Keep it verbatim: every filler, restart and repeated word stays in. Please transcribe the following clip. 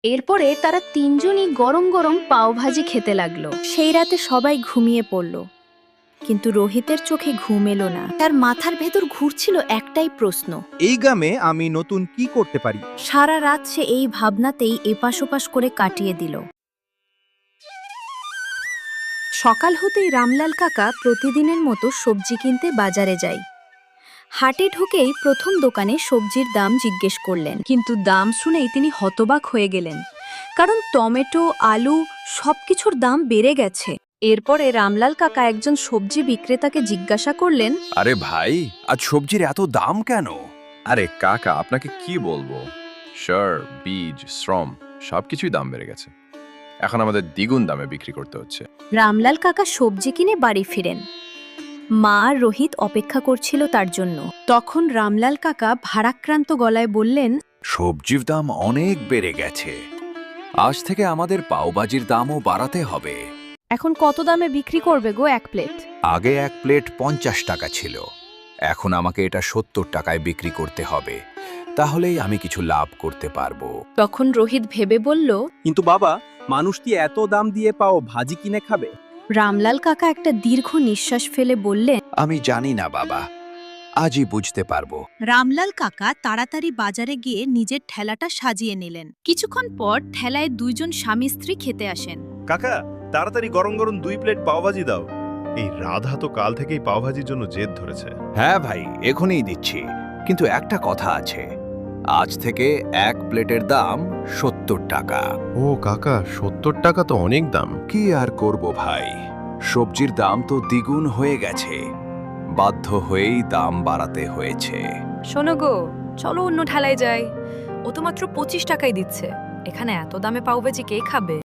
এরপরে তারা তিনজনই গরম গরম পাওভাজি খেতে লাগলো। সেই রাতে সবাই ঘুমিয়ে পড়ল, কিন্তু রোহিতের চোখে ঘুম এলো না। তার মাথার ভেতর ঘুরছিল একটাই প্রশ্ন, এই গ্রামে আমি নতুন কি করতে পারি? সারা রাত সে এই ভাবনাতেই এপাশ ওপাশ করে কাটিয়ে দিল। সকাল হতেই রামলাল কাকা প্রতিদিনের মতো সবজি কিনতে বাজারে যায়। হাটে ঢুকেই প্রথম দোকানে সবজির দাম জিজ্ঞেস করলেন, কিন্তু দাম শুনেই তিনি হতবাক হয়ে গেলেন, কারণ টমেটো, আলু সবকিছুর দাম বেড়ে গেছে। এরপরে রামলাল কাকা একজন সবজি বিক্রেতাকে জিজ্ঞাসা করলেন, আরে ভাই, আজ সবজির এত দাম কেন? আরে কাকা, আপনাকে কি বলবো, সার, বীজ, শ্রম সবকিছুই দাম বেড়ে গেছে। এখন আমাদের দ্বিগুণ দামে বিক্রি করতে হচ্ছে। রামলাল কাকা সবজি কিনে বাড়ি ফিরেন। মা আর রোহিত অপেক্ষা করছিল তার জন্য। তখন রামলাল কাকা ভারাক্রান্ত গলায় বললেন, সবজির দাম অনেক বেড়ে গেছে। আজ থেকে আমাদের পাওভাজির দামও বাড়াতে হবে। এখন কত দামে বিক্রি করবে গো এক প্লেট? আগে এক প্লেট পঞ্চাশ টাকা ছিল, এখন আমাকে এটা সত্তর টাকায় বিক্রি করতে হবে, তাহলেই আমি কিছু লাভ করতে পারবো। তখন রোহিত ভেবে বলল, কিন্তু বাবা, মানুষ কি এত দাম দিয়ে পাও ভাজি কিনে খাবে? রামলাল কাকা একটা দীর্ঘ নিঃশ্বাস ফেলে বললেন, আমি জানি না বাবা, আজই বুঝতে পারবো। রামলাল কাকা তাড়াতাড়ি বাজারে গিয়ে নিজের ঠেলাটা সাজিয়ে নিলেন। কিছুক্ষণ পর ঠেলায় দুইজন স্বামী স্ত্রী খেতে আসেন। কাকা, তাড়াতাড়ি গরম গরম দুই প্লেট পাওভাজি দাও। এই রাধা তো কাল থেকেই পাওভাজির জন্য জেদ ধরেছে। হ্যাঁ ভাই, এখনই দিচ্ছি, কিন্তু একটা কথা আছে, আজ থেকে এক প্লেটের দাম সত্তর টাকা। ও কাকা, সত্তর টাকা তো অনেক দাম। কি আর করব ভাই, সবজির দাম তো দ্বিগুণ হয়ে গেছে, বাধ্য হয়েই দাম বাড়াতে হয়েছে। শোনো গো, চলো অন্য ঠেলায় যাই। ও তো মাত্র পঁচিশ টাকাই দিচ্ছে, এখানে এত দামে পাওভাজি কে খাবে?